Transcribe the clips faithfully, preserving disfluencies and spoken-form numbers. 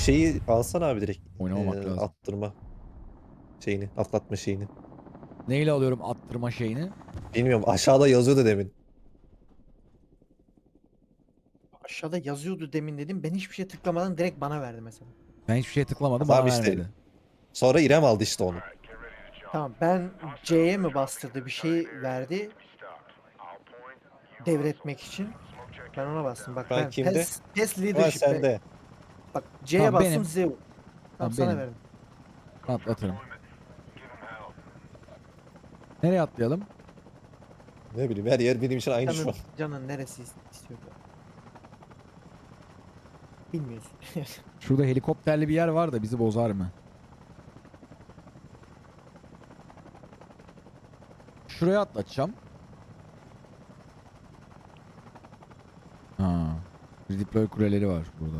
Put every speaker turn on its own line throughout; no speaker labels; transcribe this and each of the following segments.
şeyi alsana abi direkt.
Oynamamak
Eee,
lazım.
attırma şeyini, atlatma şeyini.
Neyle alıyorum attırma şeyini?
Bilmiyorum, aşağıda yazıyordu demin.
Aşağıda yazıyordu demin dedim. Ben hiçbir şeye tıklamadan direkt bana verdi mesela.
Ben hiçbir şeye tıklamadım, bana
Tamam işte.
vermedi.
Sonra İrem aldı işte onu.
Tamam, ben C'ye mi bastırdı bir şey verdi devretmek için. Ben ona bastım. Bak
Şu an
ben
kimde?
PES, PES
Şu an
Leadership. be-
sende.
Bak C'ye
Tamam
bastım
benim.
Z. Tamam,
Tamam
sana
benim.
verdim.
Atlatırım. Nereye atlayalım?
Ne bileyim, her yer benim için aynı şu an.
Canın, canın neresi istiyor? Bilmiyorsun.
Şurada helikopterli bir yer var da bizi bozar mı? Şuraya atlatacağım. Ha. Redeploy kuleleri var burada.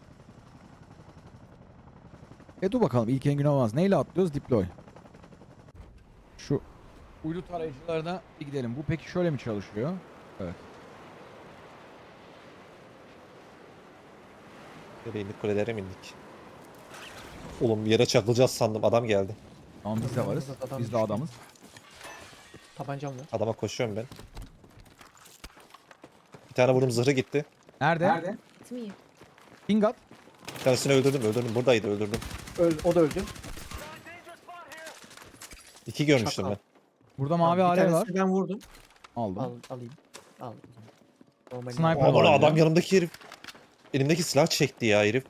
E dur bakalım, ilk en gün olmaz. Neyle atlıyoruz? Deploy. Şu uydu tarayıcılarına bir gidelim. Bu peki şöyle mi çalışıyor? Evet.
Nereye indik, kulelere mi indik? Oğlum yere çakılacağız sandım, adam geldi.
Tamam biz de varız.
Burada adam
Biz de
düştü.
adamız.
Tabancam var.
Adama koşuyorum ben. Bir tane vurdum, zırhı gitti.
Nerede?
Nerede?
It's me.
Pingat.
Bir tanesini öldürdüm, öldürdüm. Buradaydı, öldürdüm.
Öl, o da öldü.
İki görmüştüm
Şaka.
ben.
Burada
Tamam,
mavi
bir
alev var.
tanesini ben vurdum.
Aldım.
Al, alayım. Al. Normal
Sniper
Aman
var
adam,
ya.
yanımdaki herif. Elimdeki silah çekti ya herif.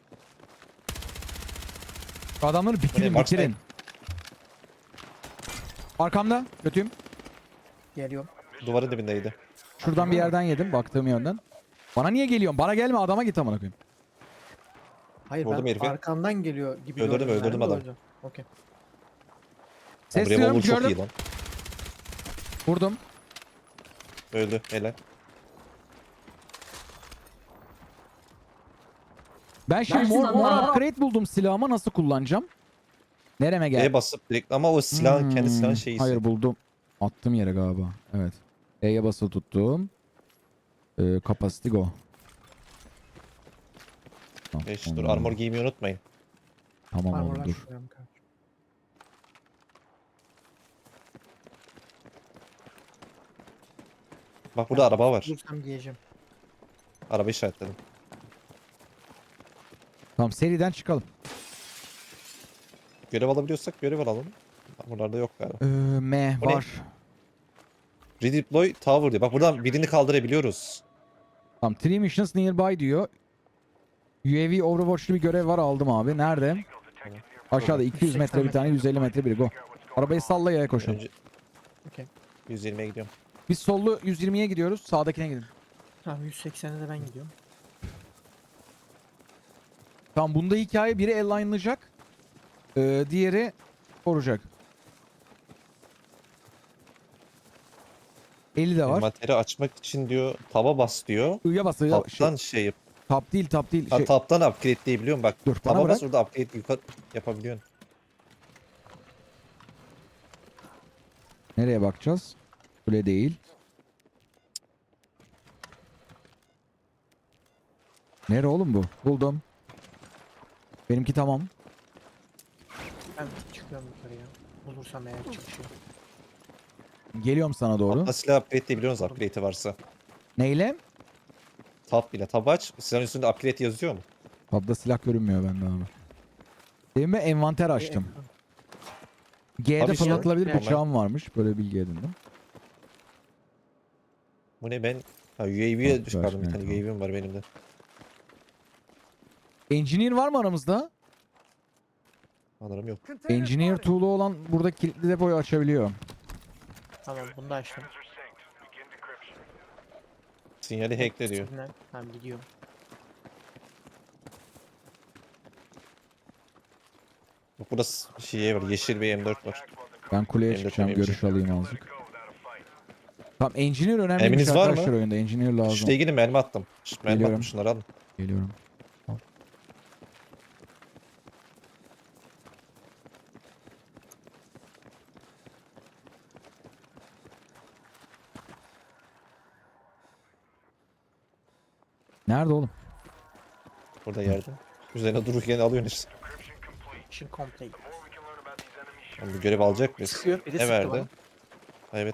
Şu adamları bitirin
Marksman.
bitirin. Arkamda. Kötüyüm.
Geliyorum.
Duvarın dibindeydi.
Şuradan bir yerden yedim. Baktığım yönden. Bana niye geliyorsun? Bana gelme, adama git amına koyayım.
Hayır,
Vurdum
ben
herifi.
arkandan geliyor gibi
Öldürdüm,
gördüm
öldürdüm
yani,
adam.
öldüm. Okey.
Ses
Revolver
duyuyorum,
çok
gördüm.
iyi lan.
Vurdum.
Öldü, helal.
Ben şimdi
Ben
mor,
şimdi
mor
mor-
upgrade buldum, silahıma nasıl kullanacağım? Nereme gel?
E basıp direkt, ama o silahın kendi silahın
Hmm,
şeyi.
Hayır buldum. Attım yere galiba. Evet. E'ye basılı tuttum. Ee, capacity go. Tamam,
Beş, dur,
ondan-
armor giymeyi unutmayın.
Tamam oğlum
Armorlar
dur.
şuraya mı kaldı?
Bak burada araba var.
Bulursam giyeceğim.
Araba işaretledim.
Tamam, seriden çıkalım.
Görev alabiliyorsak görev alalım. Buralarda yok galiba.
Ee, M
O ne?
var.
Redeploy Tower diyor. Bak buradan birini kaldırabiliyoruz.
Tamam, three missions nearby diyor. U A V Overwatch'lu bir görev var, aldım abi. Nerede? Aşağıda iki yüz metre bir tane, yüz elli metre biri, go. Arabayı salla, yaya koşun.
Önce
Okey.
yüz yirmiye gidiyorum.
Biz sollu yüz yirmiye gidiyoruz. Sağdakine gidin.
Tamam, yüz seksene de ben gidiyorum.
Tamam, bunda hikaye biri align''layacak. Ee, diğeri koruyacak. elli de var.
Envanteri açmak için diyor taba bas diyor.
I'ya bas, I'ya. Şey,
Taptan şey yap.
tap değil, tap değil.
Ha,
Şey,
taptan upgrade diyebiliyorum bak.
dur, bana
Taba
bırak.
bas, orada upgrade yukarı yapabiliyorsun.
Nereye bakacağız? Kule değil. Nere oğlum bu? Buldum. Benimki tamam.
Ben çıkıyorum yukarıya. Bulursam eğer çıkışı.
Geliyorum sana doğru.
Tapta silah upgrade diyebiliyorsunuz upgrade'i varsa.
Neyle?
Tap bile. Tab aç. Silahın üstünde upgrade yazıyor mu?
Tabda silah görünmüyor bende abi. Demin ben envanter açtım. G'de
Abi şey-
fırlatılabilir
Normal.
bıçağım varmış. Böyle bilgi edindim.
Bu ne ben? Ha, U A V'ye
Bak,
çıkardım. Bir
ver,
tane
tamam.
U A V'm var benim de.
Engineer var mı aramızda?
Sanırım yok.
Engineer tool'u olan burada kilitli depoyu açabiliyor.
Tamam, bunu da açtım.
Sinyali hackle diyor.
Signal. Tamam, gidiyorum.
Bak burada s- şey var. Yeşil bir M dört var.
Ben kuleye
Benim de
çıkacağım,
temizim.
görüş alayım azıcık. Tamam, engineer önemliymiş
Eminiz var mı?
arkadaşlar oyunda. Engineer lazım.
Şuraya gidin, mermi attım. Şşt, mermi
Geliyorum.
attım, şunları alın.
Geliyorum. Nerede oğlum?
Burada yerde. Üzerine dururken alıyorsun işte.
Mission complete.
Oğlum bu görev alacak mıyız?
Sıkıyor. Biri
Ne
sıktı
verdi?
bana.
Ha, evet.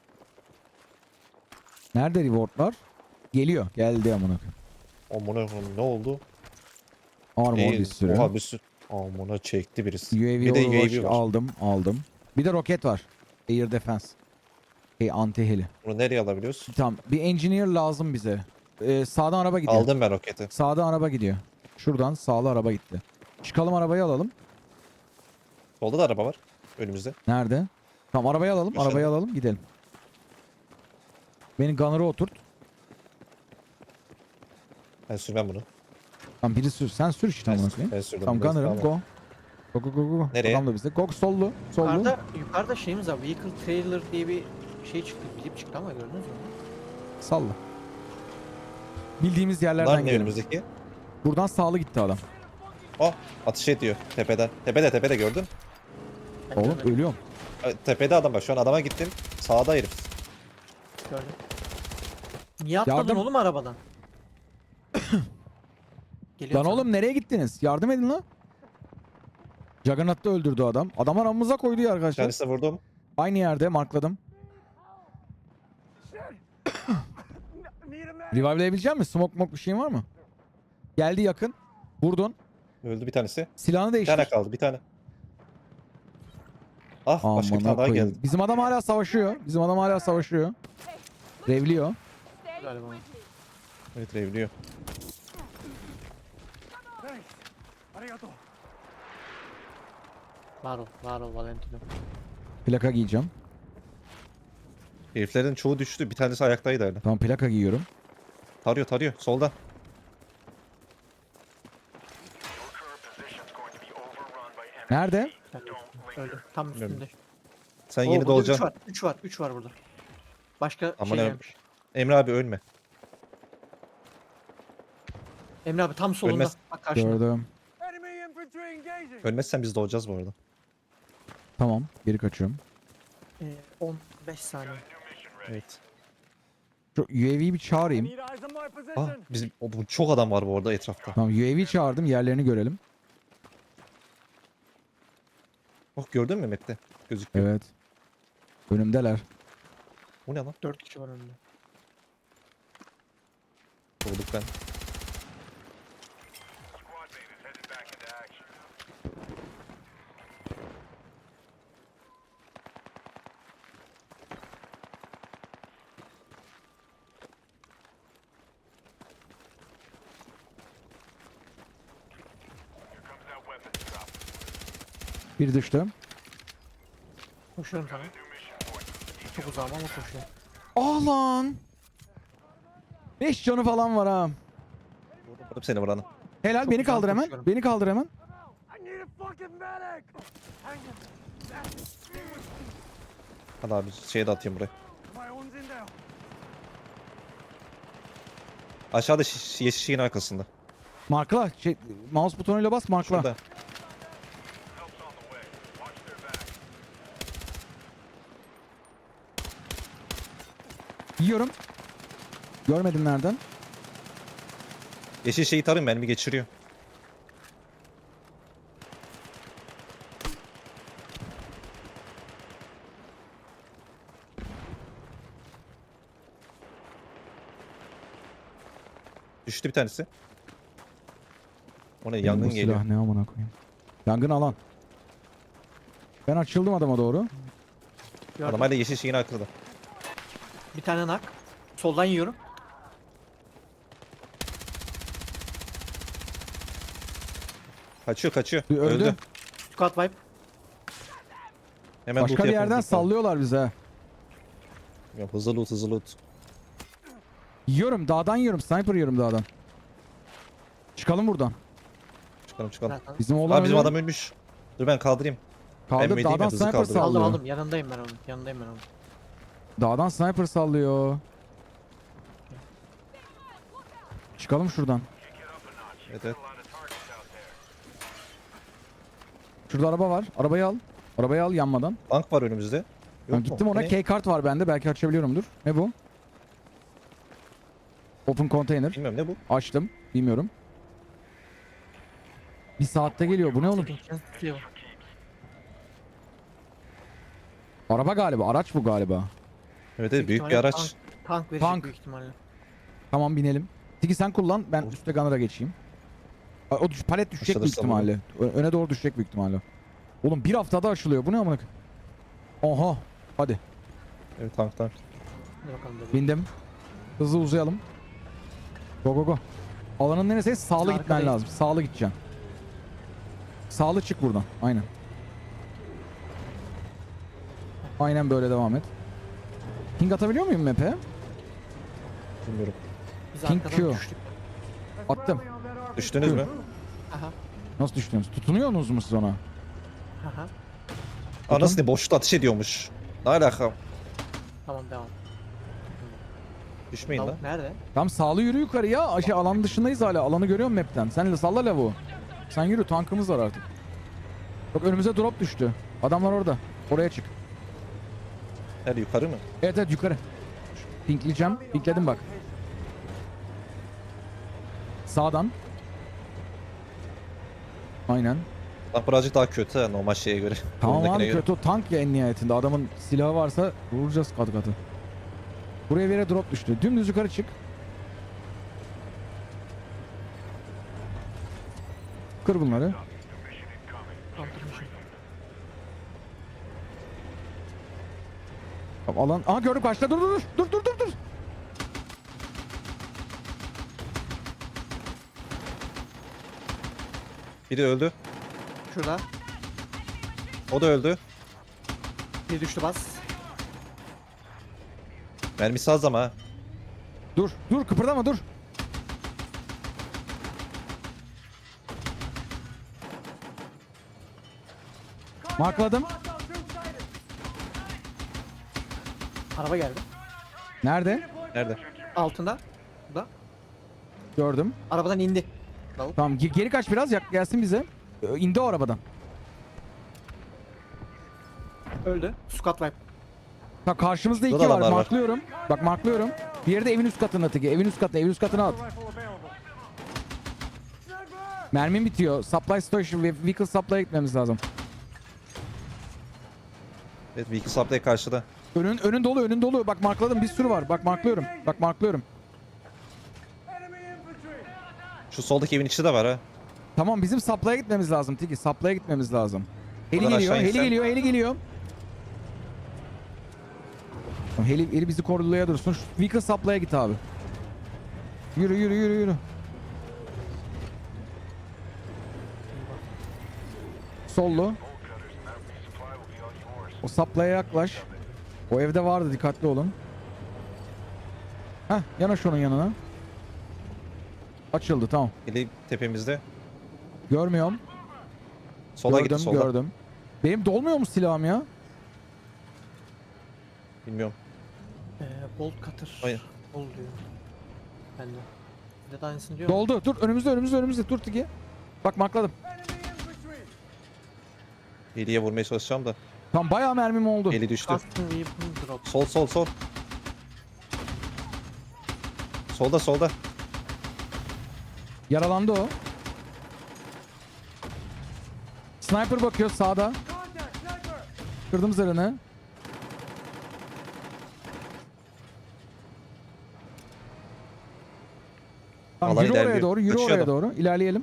Nerede rewardlar? Geliyor. Geldi amına koyayım.
Amına koyayım, ne oldu?
Armor
İyi,
bir sürü.
Oha bir sürü. Amına çekti birisi.
U A V
Bir de
Overwatch
U A V var.
aldım. Aldım. Bir de roket var. Air Defense. Şey anti heli.
Bunu nereye alabiliyoruz?
Tamam. Bir engineer lazım bize. Ee, sağdan araba gidiyor.
Aldım ben roketi.
Sağdan araba gidiyor. Şuradan sağlı araba gitti. Çıkalım arabayı alalım.
Solda da araba var. Önümüzde.
Nerede? Tamam arabayı alalım.
Aşağıda.
Arabayı alalım gidelim. Beni gunner'a oturt.
Ben sürmem bunu.
Tamam biri sür. Sen sür işte
Ben,
amına koyayım.
ben sürdüm.
Tamam
biraz.
gunner'ım
Tamam.
go. Go go go go.
Nereye?
Adam da bizde. Go sollu. Sollu.
Yukarıda, yukarıda şeyimiz var. Vehicle trailer diye bir şey çıktı. Bilip çıktı ama gördünüz mü?
Salla. Bildiğimiz
Bunlar
yerlerden
ne
gidelim.
önümüzdeki?
Buradan sağlı gitti adam.
Oh, atış ediyor tepeden. Tepede tepede gördün.
Ben
Oğlum
görmedim,
ölüyorum.
E, Tepede adam bak, şu an adama gittim. Sağda herif.
gördüm. Niye atladın
Yardım.
oğlum arabadan? Geliyor
Lan
sana.
oğlum nereye gittiniz? Yardım edin lan. Juggernaut'ta öldürdü adam. Adam aramıza koydu ya
Bir
arkadaşlar.
tanesine vurdum.
Aynı yerde markladım. Revive'layabilecek misin? Smoke mok bir şeyin var mı? Geldi yakın. Vurdun.
Öldü bir tanesi.
Silahını
Bir
değiştir.
tane kaldı, bir tane. Ah, başka bir
Amına
tane daha
koyayım.
geldi.
Bizim adam hala savaşıyor. Bizim adam hala savaşıyor. Revliyor.
Galiba.
Evet, revliyor.
Var ol, var ol Valentino.
Plaka giyeceğim.
Heriflerin çoğu düştü. Bir tanesi ayaktaydı hala.
Tamam plaka giyiyorum.
Tarıyor tarıyor. Solda.
Nerede?
Öldü. Tam
Bilmiyorum.
üstünde.
Sen
Oo,
yeni
burada üç
doğacaksın.
var. üç var. üç var burada. Başka
Aman
şey
em-
gelmiş.
Emre abi ölme.
Emre abi tam solunda.
Ölmez.
Bak karşında.
Gördüm.
Ölmezsen biz doğacağız bu arada.
Tamam. Geri kaçıyorum.
Ee, on beş saniye.
Evet.
Şu U A V'yi bir çağırayım.
Ah, bizim o, bu çok adam var bu arada etrafta.
Tamam U A V'yi çağırdım. Yerlerini görelim.
Oh, gördün mü map'te? Gözüküyor.
Evet. Önümdeler.
Bu ne lan?
dört kişi var önünde.
Doğduk ben.
Bir düştü.
Koşuyorum sana. Çok uzağım ama koşuyorum.
Ah lan. beş canı falan var ha.
Vurdum seni vuranı.
Helal
Çok
beni
güzel
kaldır hemen.
koşuyorum.
Beni kaldır hemen.
Hadi abi şeye de atayım buraya. Aşağıda şiş, yeşil şeyin arkasında.
Markla. Şey, mouse butonuyla bas markla.
Şurada.
Yiyorum. Görmedim nereden.
Yeşil şeyi tarayın, mermi geçiriyor. Düştü bir tanesi. O ne,
Benim
yangın
bu
geliyor.
silah ne amına koyayım. Yangın alan. Ben açıldım adama doğru.
Gördüm.
Adam hala yeşil şeyin arkasında.
Bir tane nak. Soldan yiyorum.
Kaçıyor kaçıyor.
Bir öldü.
Öldü.
Squad wipe.
Hemen
Başka
loot
bir
yapın,
yerden
loot yapın.
sallıyorlar bize.
Ya, hızlı loot hızlı loot.
Yiyorum dağdan yiyorum. Sniper yiyorum dağdan. Çıkalım buradan.
Çıkalım çıkalım.
Zaten.
Bizim oğlan
Abi bizim
ölüyor.
adam ölmüş. Dur ben kaldırayım.
Kaldır
Emre değil mi?
dağdan
Hızlı
sniper
kaldırın.
Aldım
sallıyor.
aldım. Yanındayım ben onun. Yanındayım ben onun.
Dağdan sniper sallıyor. Çıkalım şuradan.
Evet evet.
Şurada araba var. Arabayı al. Arabayı al yanmadan.
Bank var önümüzde. Yok
Ben
mu?
gittim ona.
Ne?
Key kart var bende. Belki açabiliyorumdur. Ne bu? Open container.
Bilmiyorum ne bu?
Açtım. Bilmiyorum. Bir saatte geliyor. Bu ne oğlum?
Second chance tutuyor.
Araba galiba. Araç bu galiba.
Evet evet, büyük bir
ihtimalle
araç.
Tank, tank verecek
Tank.
büyük ihtimalle.
Tamam binelim. Tiki sen kullan. Ben
Of.
üstte gunner'a geçeyim. Aa, O düş, palet düşecek büyük
Açılırsa
ihtimalle. Ö- öne doğru düşecek büyük ihtimalle. Oğlum bir haftada açılıyor. Bu ne amına koyayım? Oha. Hadi.
Evet, tank tank.
Hadi bakalım bebeğim.
Bindim. Hızlı uzayalım. Go go go. Alanın neresi? Sağlı
Biz
gitmen
arkadayız.
lazım. Sağlı gideceksin. Sağlı çık buradan. Aynen. Aynen böyle devam et. Ping atabiliyor muyum map'e?
Bilmiyorum.
Biz
King
arkadan
Q.
düştük.
Attım.
Düştünüz mü?
Aha.
Nasıl düştünüz? Tutunuyorsunuz mu siz ona?
Aha.
Anasını boşlukta ateş ediyormuş. Ne alaka?
Tamam devam.
Düşmeyin lan.
Lavuk nerede?
Tam sağlı yürü yukarı ya. Aşağı alan dışındayız hala. Alanı görüyorum map'ten. Sen de salla lavuğu. Sen yürü, tankımız var artık. Bak önümüze drop düştü. Adamlar orada. Oraya çık.
Her yukarı mı?
Evet evet yukarı. Pinkleyeceğim. Pinkledim bak. Sağdan. Aynen.
Lan birazcık daha kötü ha, normal şeye göre.
Tamam
Buradakine
abi
göre.
kötü o tank ya en nihayetinde. Adamın silahı varsa vuracağız katı katı. Buraya bir yere drop düştü. Dümdüz yukarı çık. Kır bunları.
Kaldırmışım.
Tamam, alan. Aha gördüm karşıda. Dur dur dur. Dur dur dur dur.
Biri öldü.
Şurada.
O da öldü.
Bir düştü bas.
Mermisi az ama ha.
Dur. Dur kıpırdama dur. Markladım.
Araba geldi.
Nerede?
Nerede?
Altında. Burada.
Gördüm.
Arabadan indi. Lavuk.
Tamam ge- geri kaç biraz yak gelsin bize. Ö, İndi o arabadan.
Öldü. Squad wipe.
Bak karşımızda iki
Burada
var.
adamlar var.
Marklıyorum. Bak marklıyorum. Diğeri de evin üst katında teki. Evin üst katına, evin üst katına at. Mermim bitiyor. Supply station ve vehicle supply'a gitmemiz lazım.
Evet, vehicle supply karşıda.
Önün önün dolu, önün dolu. Bak markladım bir sürü var. Bak marklıyorum. Bak marklıyorum.
Şu soldaki evin içi de var ha.
Tamam bizim supply'a gitmemiz lazım Tiki. Supply'a gitmemiz lazım. Heli
Buradan
geliyor,
aşağı
heli
insen.
geliyor, heli geliyor. Tamam, Heli, heli bizi korulaya dursun. Şu vehicle supply'a git abi. Yürü yürü yürü yürü. Sollu. O supply'a yaklaş. O evde vardı, dikkatli olun. Heh, yanaş onun yanına. Açıldı, tamam.
Eli tepemizde.
Görmüyorum.
Sola
gördüm,
gitti, solda.
gördüm. Benim dolmuyor mu silahım ya?
Bilmiyorum.
Ee, bolt cutter.
Hayır.
Bol diyor. Ben de. Bir de aynısını diyor.
Doldu. Dur önümüzde önümüzde önümüzde. Dur Tiki. Bak markladım.
Eliye vurmaya çalışacağım da.
Tam bayağı mermim oldu.
Eli düştü.
Custom weapon drop.
Sol sol sol. Solda solda.
Yaralandı o. Sniper bakıyor sağda. Kırdım zırhını. Tamam,
Alan
yürü oraya
ilerliyor.
doğru, yürü
Kaçıyor
oraya
adam.
doğru. İlerleyelim.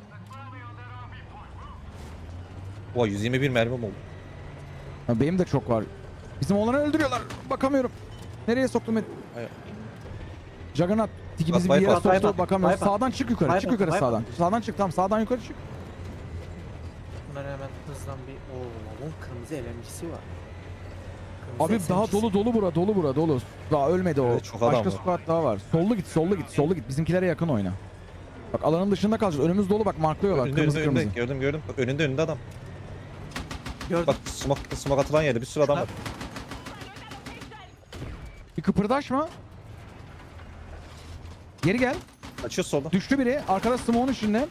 Oha, yüz yirmi bir mermim oldu.
Ha, benim de çok var. Bizim olanı öldürüyorlar. Bakamıyorum. Nereye soktum? et-
Hayır.
Juggernaut. Tiki
Bak,
bizi bir yere
bypass,
soktu.
bypass,
Bakamıyoruz.
bypass.
Sağdan çık yukarı. Çık
Bypass,
yukarı
bypass.
sağdan. Sağdan çık tamam. Sağdan yukarı çık.
Bunları hemen hızlan bir... Oo, lavun kırmızı L M G'si var. Kırmızı
Abi daha
S M G'si.
dolu dolu bura. Dolu bura dolu. Daha ölmedi o.
Evet, çok adam
Başka
var.
squad daha var. Sollu git. Sollu git. Sollu git. Bizimkilere yakın oyna. Bak alanın dışında kalacağız. Önümüz dolu bak marklıyorlar.
Önünde
Kırmızı
önünde,
kırmızı.
önünde. Gördüm gördüm. Bak, önünde önünde adam.
Gördüm.
Bak smoke, smoke atılan yerde bir sürü adam var.
Bir kıpırdaşma. Geri gel.
Açıyor solda.
Düştü biri. Arkada smoke'un içinde.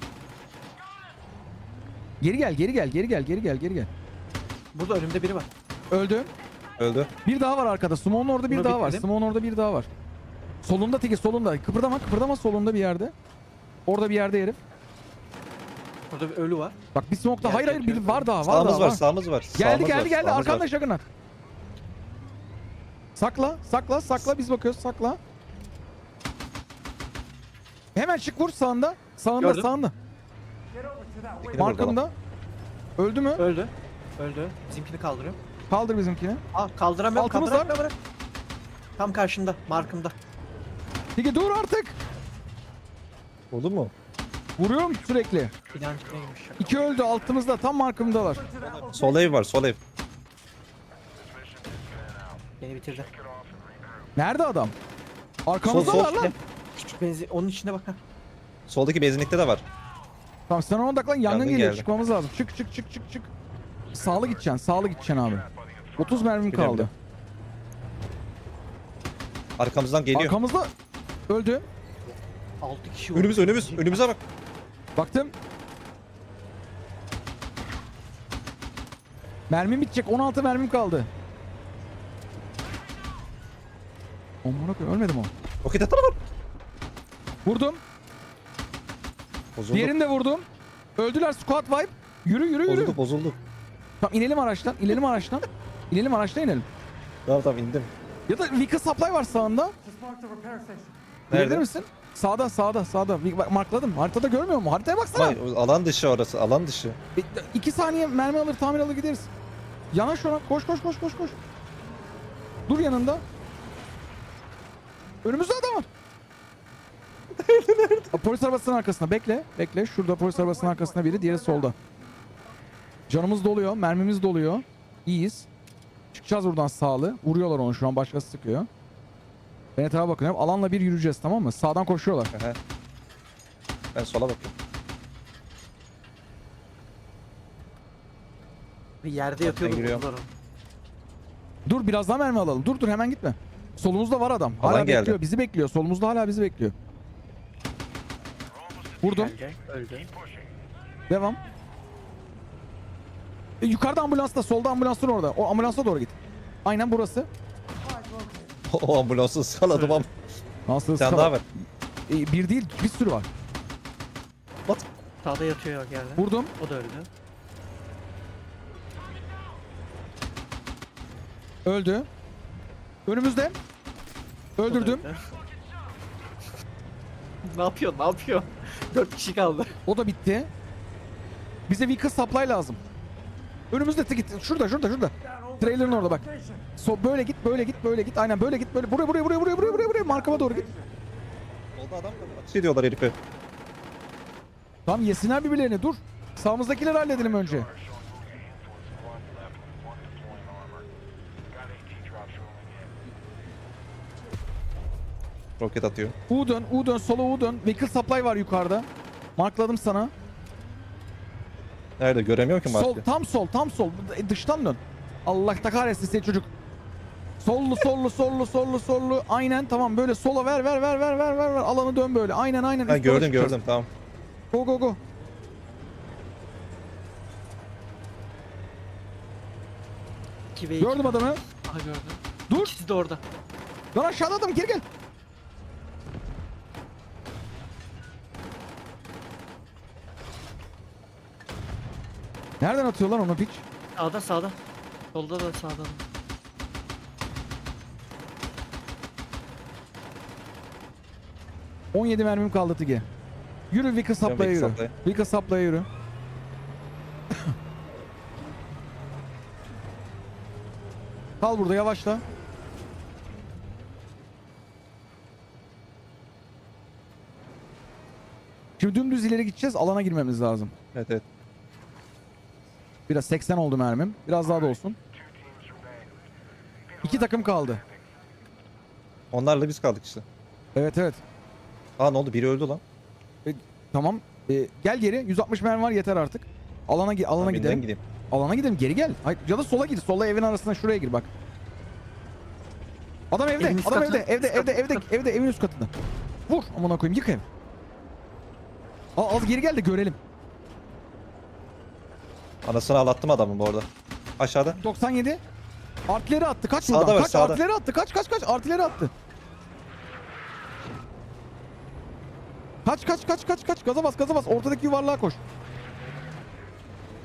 Geri gel, geri gel, geri gel, geri gel, geri gel.
Burada önümde biri var.
Öldü.
Öldü.
Bir daha var arkada. Smoke'un orada bir
Bunu
daha var.
bitirdim.
Smoke'un orada bir daha var. Solunda Tiki, solunda. Kıpırdama, kıpırdama solunda bir yerde. Orada bir yerde herif.
Burada bir ölü var.
Bak bir smoke'da
Yer
hayır hayır
yakıyor.
biri var daha var
Sağımız
daha
var,
var.
sağımız var.
Geldi
sağımız
geldi
var,
geldi
sağımız
arkanda
var.
Juggernaut. Sakla sakla sakla biz bakıyoruz sakla. Hemen çık vur sağında. Sağında
Gördüm.
sağında.
Tekini vurdu lan.
Markamda. Öldü mü?
Öldü. Öldü. Bizimkini kaldırıyorum.
Kaldır bizimkini.
Aa kaldıramıyorum.
Altımız
Kaldıramıyorum. Bırak. Tam karşında. Markımda.
Peki dur artık.
Oldu mu?
Vuruyorum sürekli.
İnanç neymiş ya.
İki öldü altımızda tam markamdalar.
Sol ev var, sol ev.
Beni bitirdi.
Nerede adam? Arkamızdalar
Sol, sol.
lan.
Küçük benzi onun içine bak ha.
Soldaki benzinlikte de var.
Tamam sen ona odaklan yangın
Yangın
geliyor
geldi.
çıkmamız lazım. Çık çık çık çık çık. Sağlı gideceksin sağlı gideceksin abi. otuz mermim
Biliyorum,
kaldı.
biliyorum. Arkamızdan geliyor.
Arkamızda öldü.
altı kişi var.
Önümüz, önümüz, önümüze bak.
Baktım. Mermim bitecek. on altı mermim kaldı. Aman okey ölmedim o.
Roket atana var.
Vurdum.
Bozuldu.
Diğerini de vurdum. Öldüler squad wipe. Yürü yürü yürü.
Bozuldu, bozuldu.
Tamam inelim araçtan. İnelim araçtan. İnelim araçtan inelim.
Tamam tamam indim.
Ya da Vika supply var sağında. Bilir
Nerede?
misin? Sağda sağda sağda. Bak, markladım. Haritada görmüyor musun? Haritaya baksana.
Vay, alan dışı orası, alan dışı.
E, iki saniye mermi alır tamir alır gideriz. Yanaş ona. Koş koş koş koş koş. Dur yanında. Önümüzde adam var. Nerede? Polis arabasının arkasında. Bekle. Bekle. Şurada polis arabasının arkasında biri. Diğeri solda. Canımız doluyor. Mermimiz doluyor. İyiyiz. Çıkacağız buradan sağlı. Vuruyorlar onu şu an. Başkası sıkıyor. Ben etrafa bakıyorum. Alanla bir yürüyeceğiz tamam mı? Sağdan koşuyorlar.
Aha. Ben sola bakıyorum.
Bir yerde
Ben
yatıyordu
giriyorum.
vurdular onu.
Dur biraz daha mermi alalım. Dur dur hemen gitme. Solumuzda var adam. Hala
Alan geldi.
bekliyor. Bizi bekliyor. Solumuzda hala bizi bekliyor. Vurdum.
Geldi. Öldü.
Devam. E, yukarıda ambulansta. Solda ambulansın orada. O ambulansa doğru git. Aynen burası.
O ambulansı ıskaladım ama.
Nasıl
Bir tane
ıskala-
daha var.
E, bir değil bir sürü var.
What?
Sağda yatıyor geldi.
Vurdum.
O da öldü.
Öldü. Önümüzde.
O da
Öldürdüm.
öldü. Ne yapıyor? Ne yapıyor? Dört kişi kaldı.
O da bitti. Bize bir kız supply lazım. Önümüzde tık git. Şurada şurada şurada. Trailer'ın orada bak. So, böyle git böyle git böyle git. Aynen böyle git böyle. Buraya buraya buraya buraya buraya buraya buraya. Markama doğru git.
Solda adam var. Ateş ediyorlar herife.
Tamam yesinler birbirlerini dur. Sağımızdakileri halledelim önce.
Roket atıyor.
U dön, U dön, sola U dön. Vehicle supply var yukarıda. Markladım sana.
Nerede? Göremiyorum ki
Sol,
markı.
tam sol, tam sol. E, Dıştan dön. Allah da kahretsin seni çocuk. Sollu, sollu, sollu, sollu, sollu. Aynen tamam böyle sola ver, ver, ver, ver, ver, ver, ver. Alanı dön böyle. Aynen, aynen.
Ha,
Üst yola
gördüm
çıkacağız.
gördüm tamam.
Go, go, go.
iki ve iki.
Gördüm adamı.
Aha gördüm.
Dur.
İkisi de orada.
Lan aşağıda adam geri gel. Nereden atıyor lan onu piç?
Sağda sağda. Solda da sağda. da.
on yedi mermim kaldı Tige. Yürü Vika saplaya
Vika
yürü.
saplaya.
Vika saplaya yürü. Kal burada yavaşla. Şimdi dümdüz ileri gideceğiz. Alana girmemiz lazım.
Evet evet.
Biraz seksen oldu mermim. Biraz daha da olsun. İki takım kaldı.
Onlarla biz kaldık işte.
Evet evet.
Aa ne oldu? Biri öldü lan.
Tamam. Ee, gel geri. yüz altmış mermi var yeter artık. Alana gi- alana
Tamam,
gidelim.
yeniden gideyim.
Alana gidelim. Geri gel. Hayır, ya da sola gir. Sola evin arasına şuraya gir bak. Adam evde.
Evin üst
Adam
katı.
evde. Evde
Üst
evde
katı.
evde evde evin üst katında. Vur. Amına koyayım. Yık ev. Al, al geri gel de görelim.
Anasını ağlattım adamın bu arada. Aşağıda.
doksan yedi. Artileri attı. Kaç
Sağda
buradan.
var,
Kaç
sağda.
artileri attı. Kaç kaç kaç artileri attı. Kaç kaç kaç kaç kaç. Gaza bas gaza bas. Ortadaki yuvarlığa koş.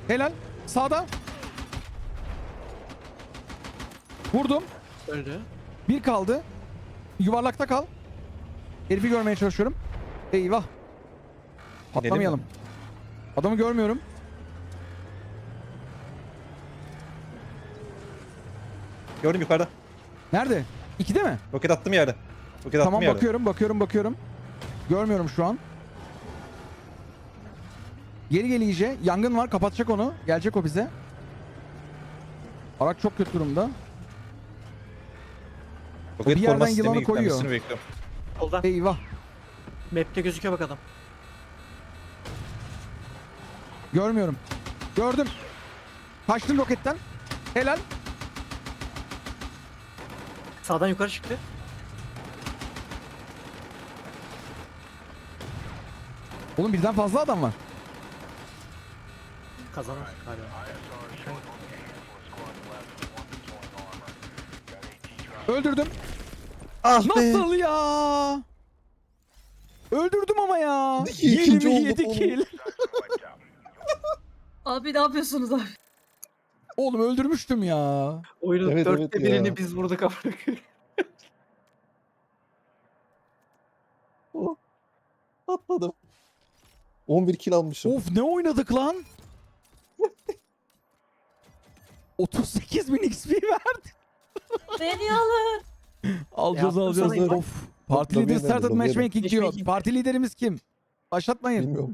Helal. Sağda. Vurdum.
Öldü.
Bir kaldı. Yuvarlakta kal. Herifi görmeye çalışıyorum. Eyvah. Patlamayalım. Adamı görmüyorum.
Gördüm yukarıda.
Nerede? İkide mi?
Roket attım yerde. Roket
Tamam
attım yerde.
bakıyorum bakıyorum bakıyorum. Görmüyorum şu an. Geri gel iyice. Yangın var, kapatacak onu. Gelecek o bize. Araç çok kötü durumda.
Roket
bir yerden
koruma sistemi
yılanı koyuyor.
yüklenmesini bekliyorum.
Solda.
Eyvah.
Map'te gözüküyor bak adam.
Görmüyorum. Gördüm. Kaçtım roketten. Helal.
Sağdan yukarı çıktı.
Oğlum birden fazla adam var.
Kazanır galiba.
Öldürdüm.
Ah
Nasıl ya? Öldürdüm ama ya.
İkinci
yirmi
olduk
yedi
oğlum.
kill.
Abi ne yapıyorsunuz abi?
Oğlum öldürmüştüm ya.
Oyunun
Evet,
dörtte
evet ya.
birini biz vurduk ama.
Oh. Atladım. on bir kill almışım.
Of ne oynadık lan? otuz sekiz bin X P verdi.
Beni alın.
Alacağız
Yaptım
alacağız.
sana invite.
Of. Parti
Lobiye
lideri started
nerede? Lobiye
matchmaking diyor.
Matchmaking.
Parti liderimiz kim? Başlatmayın.
Bilmiyorum.